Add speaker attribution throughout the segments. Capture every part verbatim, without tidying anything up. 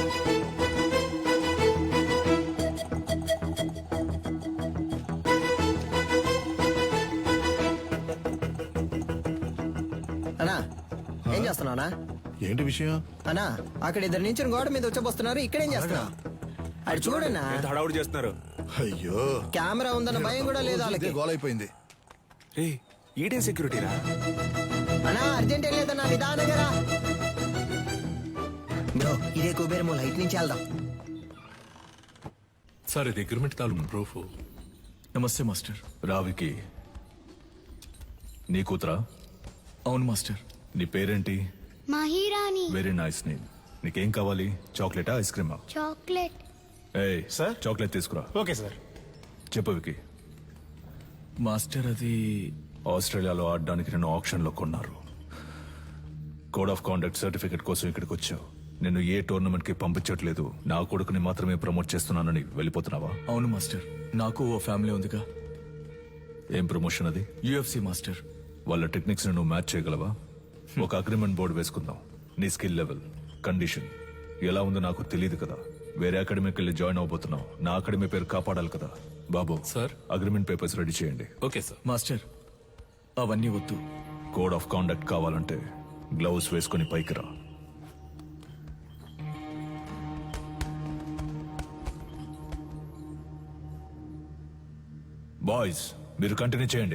Speaker 1: అన్నా ఏం చేస్తున్నావునా?
Speaker 2: ఏంటి విషయం?
Speaker 1: అన్నా అక్కడ ఇద్దరు నుంచి గోడ మీద వచ్చబోస్తున్నారు. ఇక్కడేం చేస్తున్నావు? అది చూడన్నా,
Speaker 3: హడావుడి చేస్తున్నారు.
Speaker 2: అయ్యో,
Speaker 1: కెమెరా ఉందన్న భయం కూడా లేదు వాళ్ళకి.
Speaker 2: గోలైపోయింది.
Speaker 3: రే ఈడే సెక్యూరిటీరా?
Speaker 1: అన్నా అర్జెంట్ ఏం లేదన్నా, నిదానంగా రా. బ్రో ఇదే కుబేరము, లైట్ నుంచి వెళ్దాం.
Speaker 4: సార్ ఇది అగ్రిమెంట్ తాలూకు ప్రూఫ్.
Speaker 5: నమస్తే మాస్టర్.
Speaker 6: రావికి నీ కూతురా?
Speaker 5: అవును మాస్టర్.
Speaker 6: నీ పేరేంటి?
Speaker 7: మహిరాణి.
Speaker 6: Very nice name. నీకేం కావాలి? చాక్లెటా, ఐస్ క్రీమా?
Speaker 7: చాక్లెట్.
Speaker 6: ఏయ్
Speaker 3: సార్?
Speaker 6: చాక్లెట్ తీసుకురా.
Speaker 3: Okay sir.
Speaker 6: చెప్పు వికి.
Speaker 5: మాస్టర్ అది
Speaker 6: ఆస్ట్రేలియాలో ఆడడానికి నేను ఆప్షన్ లో కొన్నారు. కోడ్ ఆఫ్ కాండక్ట్ సర్టిఫికెట్ కోసం ఇక్కడికి వచ్చావు. నిన్ను ఏ టోర్నమెంట్ కి పంపించట్లేదు, నా కొడుకుని మాత్రమే ప్రమోట్ చేస్తున్నానని వెళ్ళిపోతున్నావా?
Speaker 5: అవును మాస్టర్. నాకు ఓ ఫ్యామిలీ ఉందిగా.
Speaker 6: ఏం ప్రమోషన్ అది?
Speaker 5: UFC master.
Speaker 6: వాళ్ళ టెక్నిక్స్ నువ్వు మ్యాచ్ చేయగలవా? ఒక అగ్రిమెంట్ బోర్డు వేసుకుందాం. నీ స్కిల్ లెవెల్, కండిషన్ ఎలా ఉందో నాకు తెలియదు కదా. వేరే అకాడమీకి వెళ్ళి జాయిన్ అవబోతున్నావు. నా అకాడమీ పేరు కాపాడాలి కదా. బాబు
Speaker 4: సార్,
Speaker 6: అగ్రిమెంట్ పేపర్స్ రెడీ చేయండి.
Speaker 4: Okay sir.
Speaker 5: మాస్టర్ అవన్నీ వద్దు.
Speaker 6: కోడ్ ఆఫ్ కాండక్ట్ కావాలంటే గ్లౌస్ వేసుకుని పైకి రా. బాయ్స్ మీరు కంటిన్యూ చేయండి.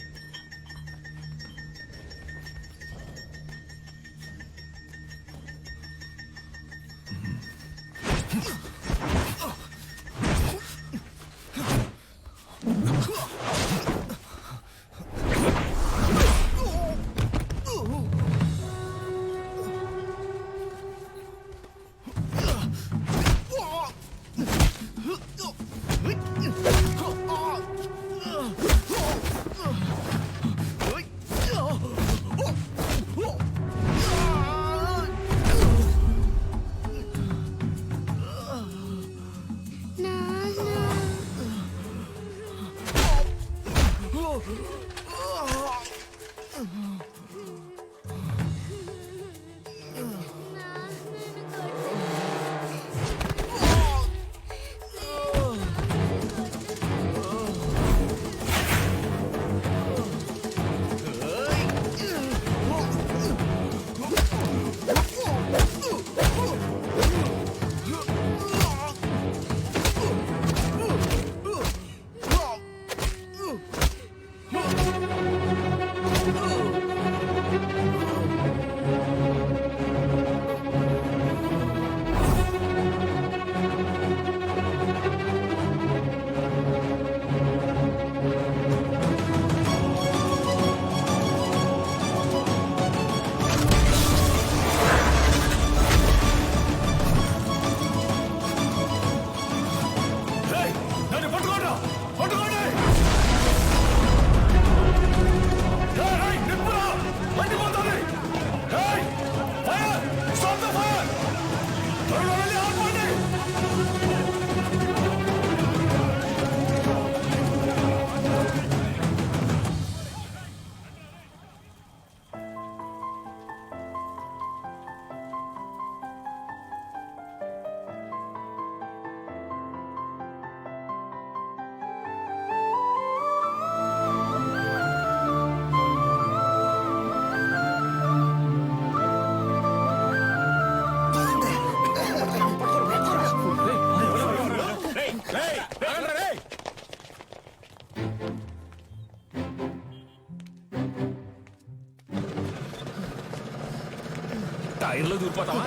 Speaker 4: టైర్లో దూరిపోతావా?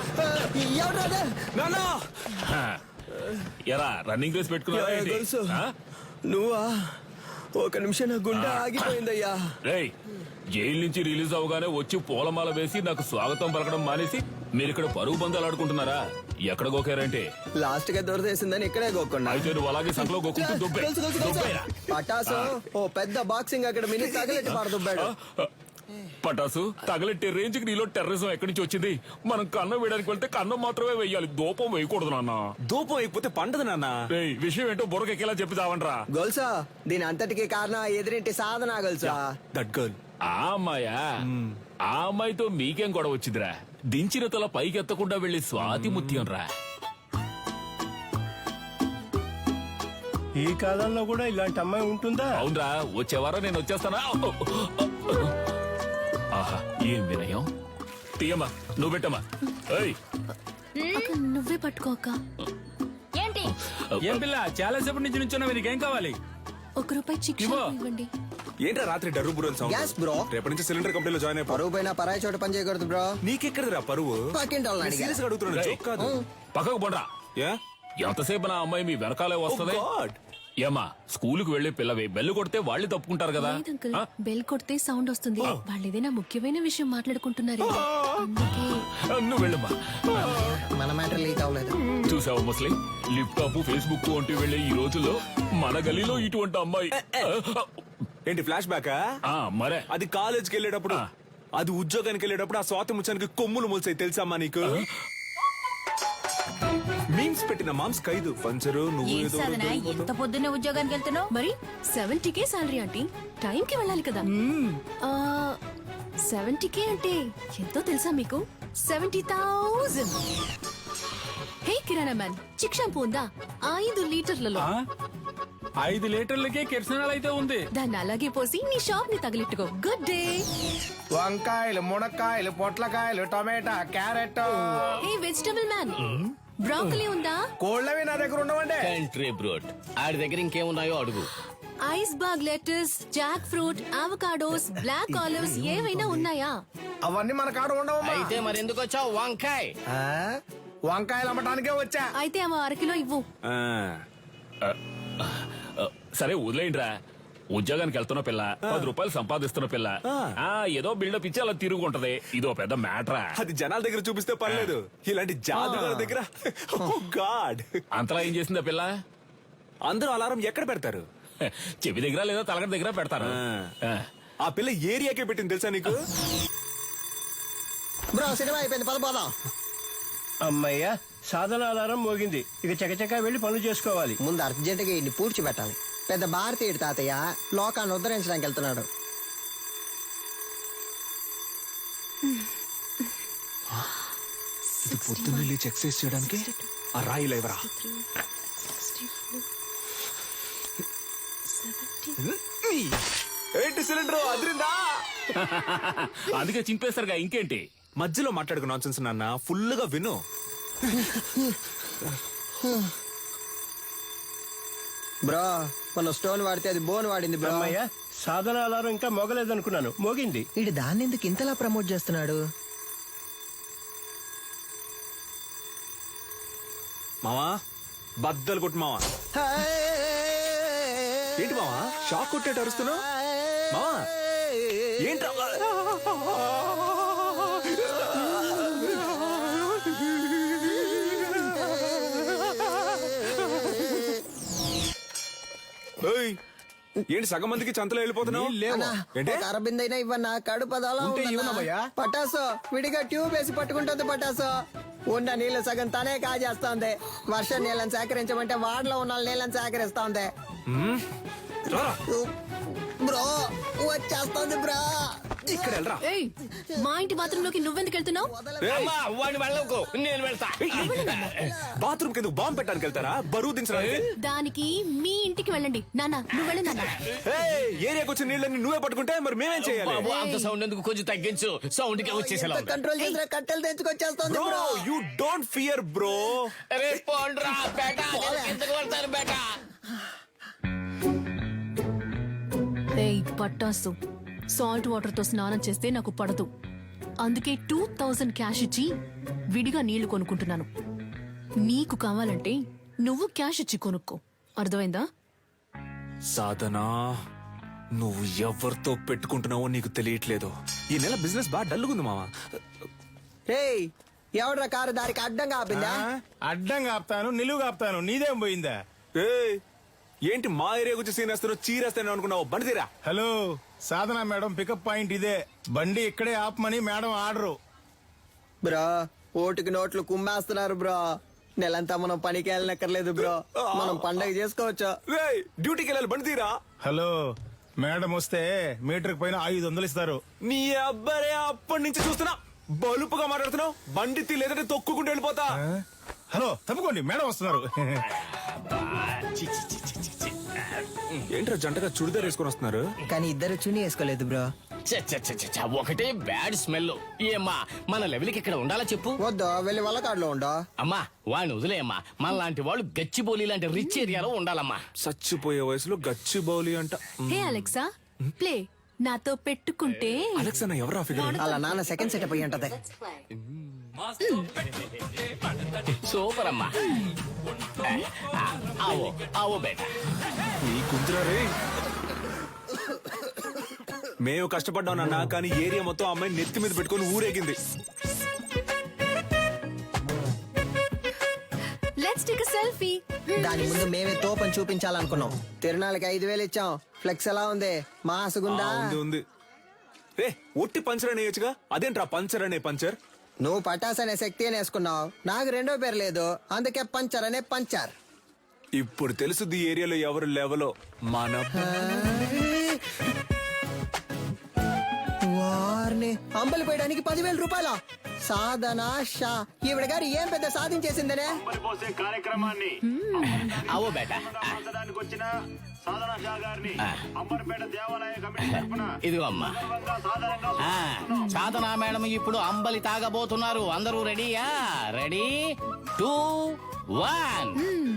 Speaker 4: ఎరా రన్నింగ్ రేస్ పెట్టుకున్నా?
Speaker 1: నువ్వా? ఒక నిమిషం నా గుండె ఆగిపోయిందయ్యా.
Speaker 4: రేయ్, జైలు నుంచి రిలీజ్ అవగానే వచ్చి పూలమాల వేసి నాకు స్వాగతం పలకడం మానేసి మీరు ఇక్కడ పరుగు బంధాలు ఆడుకుంటున్నారా? ఎక్కడ గోకారంటే
Speaker 1: లాస్ట్ గా దొరదేసిందని ఇక్కడే గోక్కున్నా.
Speaker 4: అయితే నువ్వు అలాగే సంకలో గోకుంటూ దుబ్బే దుబ్బేరా.
Speaker 1: పటాసు ఓ పెద్ద బాక్సింగ్ అక్కడ మినీ తగలెట్టి పారదుబ్బాడు.
Speaker 4: పటాసు తగలెట్టే రేంజ్ కి నీలో టెర్రరిజం ఎక్కడి నుంచి వచ్చింది? మనం కన్నం వేయడానికి వెళ్తే కన్నం మాత్రమే వేయాలి, దూపం వేయకూడదు నాన్న.
Speaker 3: దూపం అయిపోతే పండదు నాన్న.
Speaker 4: రేయ్, విషయం ఏంటో బుర్రకెక్కేలా చెప్పి చావంట్రా.
Speaker 1: గొలుసా దీని అంతటికి కారణం ఎదురింటి సాధన గొలుసా.
Speaker 3: That girl.
Speaker 4: ఆ అమ్మాయా? ఆ అమ్మాయితో మీకేం గొడవ వచ్చిందిరా? దించిన తల పైకెత్తకుండా వెళ్లి స్వాతి ముత్యం రా.
Speaker 8: ఈ కాలంలో కూడా ఇలాంటి అమ్మాయి ఉంటుందా?
Speaker 4: అవునరా, వచ్చేవారా నేను వచ్చేస్తానా? ఆహా, ఏం వినయం. తీయమ్మా, నువ్వు పెట్టమ్మా. ఏయ్,
Speaker 9: అక్క నువ్వే పట్టుకో అక్క.
Speaker 7: ఏంటి
Speaker 10: ఏం పిల్ల చాలా సేపటి నుంచి నుంచున్నా, నీకేం కావాలి?
Speaker 9: ఒక రూపాయి చిక్కి
Speaker 10: ఇవ్వు.
Speaker 9: ఇవ్వండి.
Speaker 3: ఏంట్రా రాత్రి డర్రు బుర్రని
Speaker 1: Gas, bro.
Speaker 3: సౌండ్? రేపటి నుంచి సిలిండర్ కంపెనీలో జాయిన్ అయిపో.
Speaker 1: పరువు పైన పరాయి చోట పని చేయకూడదు బ్రో.
Speaker 3: నీకెక్కడరా పరువు?
Speaker 1: పక్కింటి వాళ్ళని అడిగా.
Speaker 3: సీరియస్ గా అడుగుతున్నాను,
Speaker 4: రేయ్.
Speaker 3: joke కాదు.
Speaker 4: పక్కకు పోండ్రా.
Speaker 3: యా?
Speaker 4: ఎంతసేపు నా అమ్మాయి మీ వెనకాలే వస్తుంది?
Speaker 3: Oh God.
Speaker 4: ఏమా, స్కూలుకు వెళ్లి పిల్లవి బెల్లు కొడితే వాళ్ళు తప్పుకుంటారు కదా.
Speaker 9: లేదు అంకుల్,
Speaker 4: ఆ?
Speaker 9: బెల్ కొడితే సౌండ్ వస్తుంది. వాళ్ళు ఏదైనా ముఖ్యమైన విషయం మాట్లాడుకుంటున్నారు అందుకే.
Speaker 4: నువ్వు వెళ్ళమ్మా.
Speaker 1: మన మ్యాటర్ లీక్ అవ్వలేదు.
Speaker 4: చూసావా ముస్లిం, లిప్టాప్ ఫేస్బుక్ వంటి వెళ్లే ఈ రోజుల్లో మన గలీలో ఇటువంటి అమ్మాయి.
Speaker 3: ఏంటి ఫ్లాష్ బ్యాక్?
Speaker 4: ఆ, మరే
Speaker 3: అది కాలేజ్కి వెళ్ళేటప్పుడు,
Speaker 4: ఆ.
Speaker 3: అది ఉద్యోగానికి వెళ్ళేటప్పుడు ఆ స్వాతి ముచ్చానికి కొమ్ములు మొలిసాయి తెలుసమ్మా నీకు? మీమ్స్ పెట్టిన మామ్స్ ఖైదు పంచరు నువ్వు
Speaker 7: ఏం
Speaker 3: ఏదో
Speaker 7: సాధన
Speaker 3: దొరికిపోతావు.
Speaker 7: ఎంత పొద్దున్నే ఉద్యోగానికి వెళ్తున్నావు?
Speaker 9: మరి seventy K salary aunty, time కి వెళ్ళాలి కదా. సెవెంటీ కే అంటే ఎంతో తెలుసా మీకు? Seventy thousand. హే కిరాణా మ్యాన్, చిక్ షాంపూ ఉందా? ఐదు లీటర్లలో.
Speaker 10: ఆ? ఐదు లీటర్లకే కిరసనాలు అయితే ఉంది.
Speaker 9: దాన్ని అలాగే పోసి నీ షాప్ ని తగిలిట్టుకో. Good day.
Speaker 8: వంకాయలు, మునక్కాయలు, పొట్లకాయలు, tomato, carrot.
Speaker 9: Hey vegetable man, broccoli ఉందా?
Speaker 8: కోళ్ళవి నా దగ్గర ఉండవండి.
Speaker 11: కంట్రీ బ్రోడ్ ఆడి దగ్గర ఇంకేమున్నాయో అడుగు.
Speaker 9: Iceberg lettuce, jackfruit, avocados, black olives ఏవైనా ఉన్నాయా?
Speaker 8: అవన్నీ మన కాడ ఉండవమ్మా.
Speaker 11: అయితే మరి ఎందుకు వచ్చావు? వంకాయ్
Speaker 8: ఆ? వంకాయలు అమ్మటానికే వచ్చా.
Speaker 9: అయితే అవ అరకిలో ఇవ్వు.
Speaker 3: ఆ.
Speaker 4: సరే వదిలేయండిరా. ఉద్యోగానికి వెళ్తున్న పిల్ల, పది రూపాయలు సంపాదిస్తున్న పిల్ల, ఆ ఏదో బిల్డప్ ఇచ్చి అలా తిరుగుంటది. ఇదో పెద్ద మ్యాటరా.
Speaker 3: అది జనాల దగ్గర చూపిస్తే పర్లేదు, ఇలాంటి జాదుగాల దగ్గర గాడ్.
Speaker 4: అంతలా ఏం చేసిందా పిల్ల?
Speaker 3: అందరూ అలారం ఎక్కడ పెడతారు?
Speaker 4: చెవి దగ్గర లేదా తలగడ దగ్గర పెడతారు. ఆ.
Speaker 3: ఆ పిల్ల ఏరియాకే పెట్టింది తెలుసా నీకు?
Speaker 1: బ్రో సినిమా అయిపోయింది, పద పోదాం.
Speaker 8: అమ్మయ్యా, సాధన అలారం మోగింది. ఇక చకచకా వెళ్లి పనులు చేసుకోవాలి.
Speaker 1: ముందు అర్జెంట్ గా ఇన్ని పూడ్చి పెట్టాలి. పెద్ద భారతీయుడు తాతయ్య లోకాన్ని ఉద్ధరించడానికి వెళ్తున్నాడు.
Speaker 3: పొద్దున్న లేచి ఎక్సర్సైజ్ చేయడానికి ఆ రాయి లేవరా? ఏంటి సిలిండర్ అదిరిందా?
Speaker 4: అందుకే చింపేస్తారుగా, ఇంకేంటి?
Speaker 3: మధ్యలో మాట్లాడుకు నాన్సెన్స్ నాన్న, ఫుల్ గా విను.
Speaker 1: బ్రో మన స్టోన్ వాడితే అది బోన్ వాడింది బ్రో.
Speaker 8: అమ్మయ్యా, సాధన అలారం ఇంకా మోగలేదనుకున్నాను, మోగింది.
Speaker 1: వీడు దాన్ని ఎందుకు ఇంతలా ప్రమోట్ చేస్తున్నాడు?
Speaker 3: మావా బద్దలు కొట్టు మావా. ఏంటి మావా షాక్ కొట్టేట అరుస్తున్నావు? మావా ఏంట్రా? ఏయ్, ఏంటి సగం మందికి చంతలో వెళ్ళిపోతున్నావు?
Speaker 1: అన్నా,
Speaker 3: ఏంటి?
Speaker 1: ఒక అరబిందైనా ఇవ్వన్నా, కడుపు అదోలా
Speaker 8: ఉంటే
Speaker 1: ఉందన్నా.
Speaker 8: ఇవ్వనమ్మయ్యా.
Speaker 1: పటాసు విడిగా ట్యూబ్ వేసి పట్టుకుంటుంది. పటాసు ఉన్న నీళ్లు సగం తనే కాజేస్తోంది. వర్షం నీళ్ళని సేకరించమంటే వాడలో ఉన్న నీళ్ళని సేకరిస్తోంది.
Speaker 3: రారా.
Speaker 1: బ్రో వచ్చేస్తోంది బ్రో.
Speaker 3: ఇక్కడ వెళ్ళరా.
Speaker 9: ఏయ్, మా ఇంటి బాత్రూమ్ లోకి నువ్వెందుకు వెళ్తున్నావు?
Speaker 11: అమ్మా వాడిని వెళ్ళకు, నేను వెళ్తా.
Speaker 3: బాత్రూమ్ కింద బాంబు పెట్టడానికి వెళ్తారా? బరువు దించడానికి?
Speaker 9: దానికి మీ ఇంటికి వెళ్ళండి. నాన్న నువ్వు వెళ్ళు నాన్న.
Speaker 3: ఏయ్, ఏరియాకి వచ్చిన నీళ్ళని నువ్వే పట్టుకుంటే మరి మేమేం చేయాలి?
Speaker 11: బాబు అంత సౌండ్ ఎందుకు, కొంచెం తగ్గించు. సౌండ్ కి వచ్చేసేలా ఉంది.
Speaker 1: కంట్రోల్ చేసిన కట్టెలు తెచ్చుకొచ్చేస్తోంది
Speaker 3: bro
Speaker 1: bro.
Speaker 3: You don't fear bro.
Speaker 11: రే పోండ్రా బేటా, నేను కిందకు వెళ్తాను బేటా.
Speaker 9: ఏయ్ పట్టాసు, సాల్ట్ వాటర్ తో స్నానం చేస్తే నాకు పడదు. అందుకే టూ థౌజండ్ క్యాష్ ఇచ్చి విడిగా నీళ్లు కొనుక్కుంటున్నాను. నీకు కావాలంటే నువ్వు క్యాష్ ఇచ్చి కొనుక్కో, అర్థమైందా?
Speaker 3: సాధనా, నువ్వు ఎవరితో పెట్టుకుంటున్నావో నీకు తెలియట్లేదు. ఈ నెల బిజినెస్ బాగా డల్లుగుంది మావా.
Speaker 1: ఏయ్ ఎవడ్రా కారు దారికి అడ్డంగా ఆపిందా?
Speaker 8: అడ్డంగా ఆపుతాను, నిలువుగా ఆపుతాను, నీదేం పోయిందా?
Speaker 3: ఏయ్, ఏంటి మా ఏరియా గురించి సీన్ వేస్తారో చీరేస్తాను అనుకున్నావు? బండి తీరా.
Speaker 8: Hello, Sadhana madam pickup point ఇదే. బండి ఇక్కడే ఆపమని మేడం ఆర్డరు.
Speaker 1: బ్రో ఓటుకి నోట్లు కుమ్మేస్తున్నారు బ్రో. నెలంతా మనం పనికి వెళ్ళనక్కర్లేదు బ్రో, మనం పండగ చేసుకోవచ్చు.
Speaker 3: ఏయ్, డ్యూటీకి వెళ్ళాలి, బండి తీరా.
Speaker 8: హలో, మేడం వస్తే మీటర్ పైన ఐదు వందలు ఇస్తారు.
Speaker 3: నీ అబ్బరే అప్పటి నుంచి చూస్తున్నా బలుపుగా మాట్లాడుతున్నావు. బండి తీ, లేదంటే తొక్కుకుంటూ వెళ్ళిపోతా.
Speaker 8: హలో తప్పుకోండి, మేడం వస్తున్నారు.
Speaker 11: చి, చి, చి, చి, చి, చి.
Speaker 3: ఏంట్రా జంటగా చుడిదార్ వేసుకొని వస్తున్నారు?
Speaker 1: కానీ ఇద్దరు చుని వేసుకోలేదు బ్రో.
Speaker 11: చ్చ, చ్చ, చ్చ, చ్చ, చ్చ, ఒకటే బ్యాడ్ స్మెల్. ఏమ్మా మన లెవెల్కి ఇక్కడ ఉండాలా చెప్పు.
Speaker 1: వద్దు వెళ్ళి వల్లకాడులో ఉండో.
Speaker 11: అమ్మా వాడిని వదిలేయమ్మా. మన లాంటి వాళ్ళు గచ్చిబౌలి లాంటి రిచ్ ఏరియాలో ఉండాలమ్మా.
Speaker 3: చచ్చిపోయే వయసులో గచ్చి బౌలి అంట.
Speaker 9: హే అలెక్సా ప్లే నాతో పెట్టుకుంటే
Speaker 3: అలెక్స్ అన్న ఎవరా ఫిగర్?
Speaker 1: అలా నాన్న సెకండ్ సెటప్ అయ్యి ఉంటది.
Speaker 11: సూపర్ అమ్మా. ఆ, ఆవో ఆవో బేటా.
Speaker 3: నీ కుంతురా రే. మేము కష్టపడ్డాం నాన్న, కానీ ఏరియా మొత్తం అమ్మాయి నెత్తి మీద పెట్టుకొని ఊరేగింది.
Speaker 9: Let's take a selfie.
Speaker 1: దాని ముందు మేమే తోపని చూపించాలనుకున్నాం. తిరునాళ్ళకి ఐదు వేలు ఇచ్చాం. ఫ్లెక్స్ ఎలా ఉంది? మాసుగుందా?
Speaker 3: ఆ, ఉంది ఉంది. రే ఒట్టి పంచర్ అని వేయచ్చుగా, అదేంట్రా పంచర్ అనే పంచర్?
Speaker 1: నువ్వు పటాస్ అనే శక్తి అని వేసుకున్నావు. నాకు రెండో పేరు లేదు, అందుకే పంచర్ అనే పంచర్.
Speaker 3: ఇప్పుడు తెలుసుది ఈ ఏరియాలో ఎవరు లెవలో. మన
Speaker 1: వారిని అంబలి పోయడానికి పదివేల రూపాయల సాధన షా ఈవిడ గారు ఏం పెద్ద సాధించేసిందనే.
Speaker 12: పోసే కార్యక్రమాన్ని
Speaker 11: ఆవో బేటా.
Speaker 12: ఆచరించడానికి వచ్చిన సాధన షా గారిని అంబర్పేట దేవాలయ కమిటీ తరపున
Speaker 11: ఇదిగో అమ్మా.
Speaker 12: సాధారణంగా
Speaker 11: ఆ, సాధనా మేడం ఇప్పుడు అంబలి తాగబోతున్నారు. అందరూ రెడీయా? Ready two one.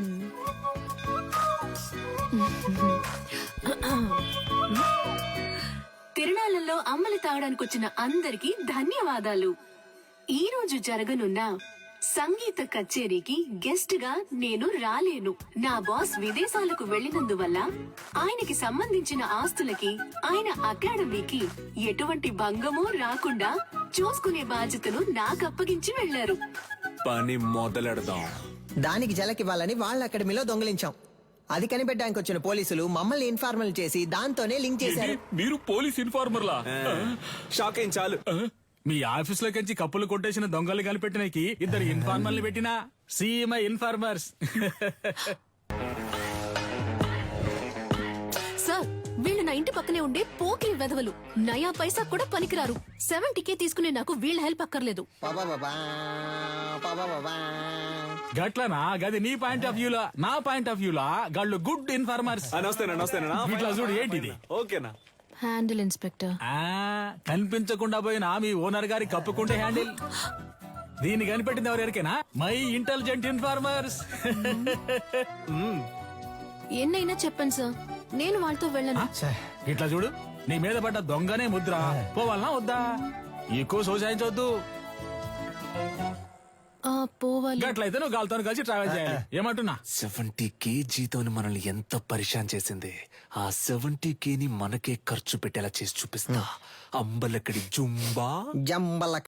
Speaker 9: తిరునాళ్ళలో అమ్మలి తాగడానికి వచ్చిన అందరికీ ధన్యవాదాలు. ఈ రోజు జరగనున్న సంగీత కచేరీకి గెస్ట్ గా నేను రాలేను. నా బాస్ విదేశాలకు వెళ్లినందువల్ల ఆయనకి సంబంధించిన ఆస్తులకి ఆయన అకాడమీకి ఎటువంటి భంగమూ రాకుండా చూసుకునే బాధ్యతను నాకు అప్పగించి వెళ్లారు.
Speaker 3: పని మొదలెడదాం.
Speaker 1: దానికి జలకివ్వాలని వాళ్ళ అకాడమీలో దొంగిలించాం. అది కనిపెట్టడానికి వచ్చిన పోలీసులు మమ్మల్ని ఇన్ఫార్మల్ చేసి దాంతోనే లింక్ చేశారు.
Speaker 10: మీరు పోలీస్ ఇన్ఫార్మర్లా?
Speaker 3: షాక్ అయింది చాలు.
Speaker 10: మీ ఆఫీస్ లోకి కప్పులు కొట్టేసిన దొంగలు కనిపెట్టినకి ఇద్దరు ఇన్ఫార్మర్లు పెట్టినా సీఎంఐ ఇన్ఫార్మర్స్.
Speaker 9: సార్ వీళ్ళు నా ఇంటి పక్కనే ఉండే పోకిరి వెధవలు. నయా పైసా కూడా పనికిరారు. సెవెంటీ కే తీసుకునే నాకు వీళ్ళ హెల్ప్ అక్కర్లేదు.
Speaker 1: పాపా బాబా, పాపా బాబా.
Speaker 10: గట్లనా? గది నీ పాయింట్ ఆఫ్ వ్యూలా. నా పాయింట్ ఆఫ్ వ్యూలా గాళ్ళు గుడ్ ఇన్ఫార్మర్స్.
Speaker 3: నమస్తేనా నమస్తేనా.
Speaker 10: ఇట్లా చూడు ఏంటిది.
Speaker 3: ఓకేనా?
Speaker 9: Handle inspector.
Speaker 10: ఆ కనిపించకుండా పోయిన మీ ఓనర్ గారి కప్పుకుంటే హ్యాండిల్. దీన్ని కనిపెట్టింది ఎవరికైనా మై ఇంటెలిజెంట్ ఇన్ఫార్మర్స్.
Speaker 9: ఎన్నైనా చెప్పండి సార్, నేను వాళ్ళతో వెళ్ళను.
Speaker 10: ఇట్లా చూడు, నీ మీద పడ్డ దొంగనే ముద్ర. పోవాలనా వద్దా? ఎక్కువ సోసాయించవద్దు.
Speaker 9: ఆ, పోవాలి.
Speaker 10: గట్లయితే నువ్వు గాలితో కలిసి ట్రావెల్ చేయాలి. ఏమంటున్నా?
Speaker 3: సెవెంటీ కేజీతో మనల్ని ఎంత పరిశాన్ చేసింది. ఆ సెవెంటీ కేని మనకే ఖర్చు పెట్టేలా చేసి చూపిస్తా. అంబలక్కడి జుంబా
Speaker 1: జంబల